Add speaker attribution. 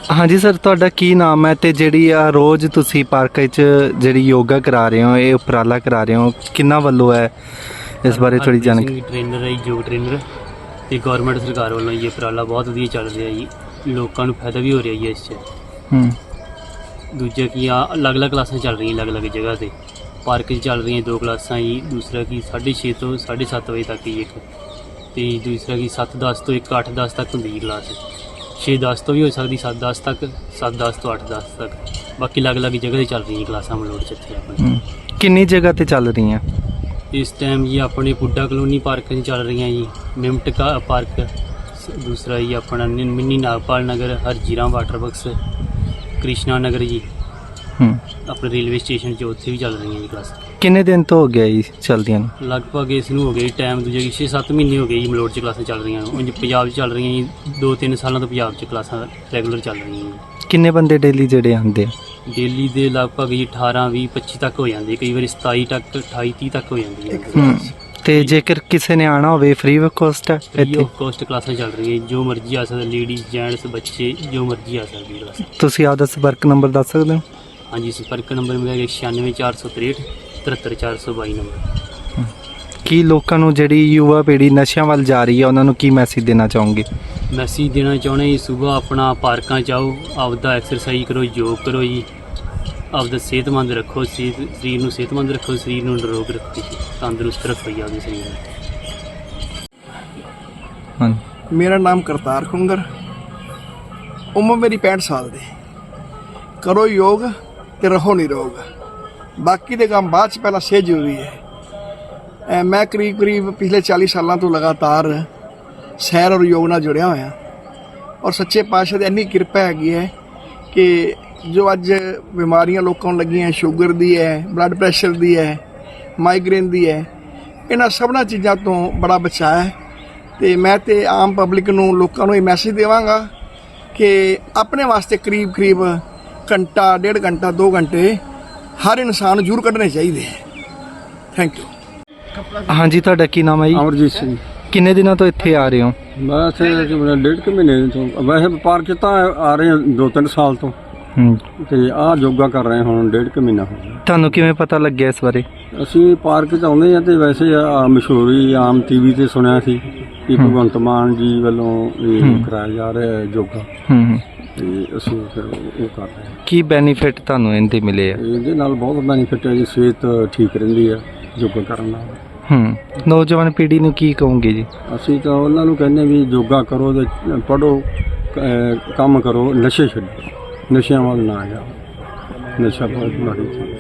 Speaker 1: हाँ जी सर, ਤੁਹਾਡਾ ਕੀ ਨਾਮ ਹੈ ਤੇ ਜਿਹੜੀ ਆ ਰੋਜ਼ ਤੁਸੀਂ ਪਾਰਕ ਵਿੱਚ ਜਿਹੜੀ ਯੋਗਾ ਕਰਾ ਰਹੇ ਹੋ, ਇਹ ਉਪਰਾਲਾ ਕਰਾ ਰਹੇ ਹੋ, ਕਿੰਨਾ ਵੱਲੋਂ ਹੈ ਇਸ ਬਾਰੇ ਥੋੜੀ ਜਾਣਕਾਰੀ।
Speaker 2: ਟ੍ਰੇਨਰ ਹੈ ਯੋਗ ਟ੍ਰੇਨਰ ਤੇ ਗਵਰਨਮੈਂਟ ਸਰਕਾਰ ਵੱਲੋਂ ਇਹ ਉਪਰਾਲਾ ਬਹੁਤ ਵਧੀਆ ਚੱਲ ਰਿਹਾ ਜੀ, ਲੋਕਾਂ ਨੂੰ ਫਾਇਦਾ ਵੀ ਹੋ ਰਿਹਾ ਜੀ ਇਸ 'ਚ। ਦੂਜਾ ਕੀ ਆ, ਅਲੱਗ-ਅਲੱਗ ਕਲਾਸਾਂ ਚੱਲ ਰਹੀਆਂ ਅਲੱਗ-ਅਲੱਗ ਜਗ੍ਹਾ ਤੇ। ਪਾਰਕ 'ਚ ਚੱਲ ਰਹੀਆਂ 2 ਕਲਾਸਾਂ ਜੀ, ਦੂਸਰਾ ਕੀ 6:30 ਤੋਂ 7:30 ਵਜੇ ਤੱਕ ਜੀ ਇੱਕ, ਤੇ ਦੂਸਰਾ ਕੀ 7:10 ਤੋਂ 8:10 ਤੱਕ ਹੁੰਦੀ ਜੀ ਕਲਾਸ। 6:10 ਤੋਂ ਵੀ ਹੋ ਸਕਦੀ 7:10 ਤੱਕ, 7:10 ਤੋਂ 8:10 ਤੱਕ। ਬਾਕੀ ਅਲੱਗ-ਅਲੱਗ ਜਗ੍ਹਾ 'ਤੇ ਚੱਲ ਰਹੀਆਂ ਕਲਾਸਾਂ ਮਲੋੜ 'ਚ ਇੱਥੇ ਆਪਣੇ।
Speaker 1: ਕਿੰਨੀ ਜਗ੍ਹਾ ਤੇ ਚੱਲ ਰਹੀਆਂ
Speaker 2: ਇਸ ਟਾਈਮ ਜੀ? ਆਪਣੇ ਪੁੱਡਾ ਕਲੋਨੀ ਪਾਰਕ 'ਚ ਚੱਲ ਰਹੀਆਂ ਜੀ, ਮਿਮਟ ਪਾਰਕ, ਦੂਸਰਾ ਜੀ ਆਪਣਾ ਮਿੰਨੀ ਨਾਗਪਾਲ ਨਗਰ, ਹਰਜੀਰਾ ਵਾਟਰ ਬਕਸ, ਕ੍ਰਿਸ਼ਨਾ ਨਗਰ ਜੀ, ਆਪਣੇ ਰੇਲਵੇ ਸਟੇਸ਼ਨ 'ਚ ਉੱਥੇ ਵੀ ਚੱਲ ਰਹੀਆਂ ਜੀ ਕਲਾਸਾਂ।
Speaker 1: ਕਿੰਨੇ ਦਿਨ ਤੋਂ ਹੋ ਗਿਆ ਜੀ ਚੱਲਦੀਆਂ ਨੂੰ?
Speaker 2: ਲਗਭਗ ਇਸ ਨੂੰ ਹੋ ਗਿਆ ਜੀ ਟਾਈਮ, ਦੂਜੇ 6-7 ਮਹੀਨੇ ਹੋ ਗਏ ਜੀ ਮਲੋੜ 'ਚ ਕਲਾਸਾਂ ਚੱਲ ਰਹੀਆਂ ਨੂੰ। ਉਂਝ ਪੰਜਾਬ 'ਚ ਚੱਲ ਰਹੀਆਂ ਜੀ 2-3 ਸਾਲਾਂ ਤੋਂ ਪੰਜਾਬ 'ਚ ਕਲਾਸਾਂ ਰੈਗੂਲਰ ਚੱਲ ਰਹੀਆਂ ਜੀ।
Speaker 1: ਕਿੰਨੇ ਬੰਦੇ ਡੇਲੀ ਜਿਹੜੇ ਆਉਂਦੇ ਆ?
Speaker 2: ਡੇਲੀ ਦੇ ਲਗਭਗ ਜੀ 18, 20, 25 ਤੱਕ ਹੋ ਜਾਂਦੇ, ਕਈ ਵਾਰੀ 27 ਤੱਕ, 28, 30 ਤੱਕ ਹੋ ਜਾਂਦੀ ਹੈ।
Speaker 1: ਤੇ ਜੇਕਰ ਕਿਸੇ ਨੇ ਆਣਾ ਹੋਵੇ ਫ੍ਰੀ ਆਫ ਕਾਸਟ ਹੈ
Speaker 2: ਫ੍ਰੀ
Speaker 1: ਇੱਥੇ?
Speaker 2: ਆਫ ਕਾਸਟ ਕਲਾਸਾਂ ਚੱਲ ਰਹੀਆਂ ਜੀ, ਜੋ ਮਰਜ਼ੀ ਆ ਸਕਦਾ, ਲੇਡੀਜ਼, ਜੈਂਟਸ, ਬੱਚੇ, ਜੋ ਮਰਜ਼ੀ ਆ ਸਕਦੀ ਕਲਾਸ।
Speaker 1: ਤੁਸੀਂ ਆਪਦਾ ਸੰਪਰਕ ਨੰਬਰ ਦੱਸ ਸਕਦੇ ਹੋ?
Speaker 2: ਹਾਂਜੀ, ਸੰਪਰਕ ਨੰਬਰ ਮੇਰਾ 96463 73422 ਨੰਬਰ।
Speaker 1: ਕੀ ਲੋਕਾਂ ਨੂੰ ਜਿਹੜੀ ਯੁਵਾ ਪੀੜ੍ਹੀ ਨਸ਼ਿਆਂ ਵੱਲ ਜਾ ਰਹੀ ਹੈ ਉਹਨਾਂ ਨੂੰ ਕੀ ਮੈਸੇਜ ਦੇਣਾ ਚਾਹੋਗੇ?
Speaker 2: ਮੈਸੇਜ ਦੇਣਾ ਚਾਹੁੰਦੇ ਜੀ, ਸੁਬਾਹ ਆਪਣਾ ਪਾਰਕਾਂ 'ਚ ਆਓ, ਆਪਦਾ ਐਕਸਰਸਾਈਜ਼ ਕਰੋ, ਯੋਗ ਕਰੋ ਜੀ, ਆਪਦਾ ਸਿਹਤਮੰਦ ਰੱਖੋ, ਸਰੀਰ ਨੂੰ ਸਿਹਤਮੰਦ ਰੱਖੋ, ਸਰੀਰ ਨੂੰ ਨਿਰੋਗ ਰੱਖੋ ਜੀ, ਤੰਦਰੁਸਤ ਰੱਖੋ ਜੀ ਆਪਦੇ ਸਰੀਰ ਨੂੰ।
Speaker 1: ਹਾਂ,
Speaker 3: ਮੇਰਾ ਨਾਮ ਕਰਤਾਰ ਖੁੰਗਰ, ਉਮਰ ਮੇਰੀ 65 ਸਾਲ ਦੀ। ਕਰੋ ਯੋਗ ਤੇ ਰਹੋ ਨਿਰੋਗ, ਬਾਕੀ ਦੇ ਕੰਮ ਬਾਅਦ 'ਚ, ਪਹਿਲਾਂ ਸਿਹਤ ਜ਼ਰੂਰੀ ਹੈ। ਮੈਂ ਕਰੀਬ ਪਿਛਲੇ 40 ਸਾਲਾਂ ਤੋਂ ਲਗਾਤਾਰ ਸੈਰ ਔਰ ਯੋਗ ਨਾਲ ਜੁੜਿਆ ਹੋਇਆ, ਔਰ ਸੱਚੇ ਪਾਤਸ਼ਾਹ ਦੀ ਇੰਨੀ ਕਿਰਪਾ ਹੈਗੀ ਹੈ ਕਿ ਜੋ ਅੱਜ ਬਿਮਾਰੀਆਂ ਲੋਕਾਂ ਨੂੰ ਲੱਗੀਆਂ, ਸ਼ੂਗਰ ਦੀ ਹੈ, ਬਲੱਡ ਪ੍ਰੈਸ਼ਰ ਦੀ ਹੈ, ਮਾਈਗ੍ਰੇਨ ਦੀ ਹੈ, ਇਹਨਾਂ ਸਭਨਾਂ ਚੀਜ਼ਾਂ ਤੋਂ ਬੜਾ ਬਚਾਅ ਹੈ। ਤੇ ਮੈਂ ਤੇ ਆਮ ਪਬਲਿਕ ਨੂੰ, ਲੋਕਾਂ ਨੂੰ ਇਹ ਮੈਸੇਜ ਦੇਵਾਂਗਾ ਕਿ ਆਪਣੇ ਵਾਸਤੇ ਕਰੀਬ ਘੰਟਾ, 1.5 ਘੰਟਾ, 2 ਘੰਟੇ ਹਰ ਇਨਸਾਨ ਨੂੰ ਜ਼ਰੂਰ ਕੱਢਣੇ ਚਾਹੀਦੇ ਹੈ। Thank you.
Speaker 1: ਹਾਂਜੀ, ਤੁਹਾਡਾ ਕੀ ਨਾਮ ਹੈ ਜੀ?
Speaker 4: ਅਮਰਜੀਤ ਸਿੰਘ।
Speaker 1: ਕਿੰਨੇ ਦਿਨਾਂ ਤੋਂ ਇੱਥੇ ਆ ਰਹੇ ਹੋ?
Speaker 4: ਬਸ 1.5 ਮਹੀਨੇ ਤੋਂ। ਵੈਸੇ ਪਾਰਕ 'ਚ ਤਾਂ ਆ ਰਹੇ 2-3 ਸਾਲ ਤੋਂ, ਤੇ ਆਹ ਯੋਗਾ ਕਰ ਰਹੇ ਹੁਣ 1.5 ਮਹੀਨਾ ਹੋ ਗਿਆ।
Speaker 1: ਤੁਹਾਨੂੰ ਕਿਵੇਂ ਪਤਾ ਲੱਗਿਆ ਇਸ ਬਾਰੇ?
Speaker 4: ਅਸੀਂ ਪਾਰਕ 'ਚ ਆਉਂਦੇ ਹਾਂ, ਤੇ ਵੈਸੇ ਮਸ਼ਹੂਰੀ ਆਮ TV ਤੇ ਸੁਣਿਆ ਸੀ ਕਿ ਭਗਵੰਤ ਮਾਨ ਜੀ ਵੱਲੋਂ ਇਹ ਕਰਾਇਆ ਜਾ ਰਿਹਾ ਹੈ ਯੋਗਾ, ਤੇ ਅਸੀਂ ਫਿਰ ਉਹ ਕਰ ਰਹੇ ਹਾਂ।
Speaker 1: ਕੀ ਬੈਨੀਫਿਟ ਤੁਹਾਨੂੰ ਇਹਦੇ ਮਿਲੇ ਆ?
Speaker 4: ਇਹਦੇ ਨਾਲ ਬਹੁਤ ਬੈਨੀਫਿਟ ਹੈ ਜੀ, ਸਿਹਤ ਠੀਕ ਰਹਿੰਦੀ ਹੈ ਯੋਗਾ ਕਰਨ ਨਾਲ।
Speaker 1: ਨੌਜਵਾਨ ਪੀੜ੍ਹੀ ਨੂੰ ਕੀ ਕਹੋਗੇ ਜੀ?
Speaker 4: ਅਸੀਂ ਤਾਂ ਉਹਨਾਂ ਨੂੰ ਕਹਿੰਦੇ ਵੀ ਯੋਗਾ ਕਰੋ ਤੇ ਪੜ੍ਹੋ, ਕੰਮ ਕਰੋ, ਨਸ਼ੇ ਛੱਡੋ, ਨਸ਼ਿਆਂ ਵੱਲ ਨਾ ਜਾਓ, ਨਸ਼ਾ ਬਹੁਤ ਮਾੜੀ ਚੀਜ਼।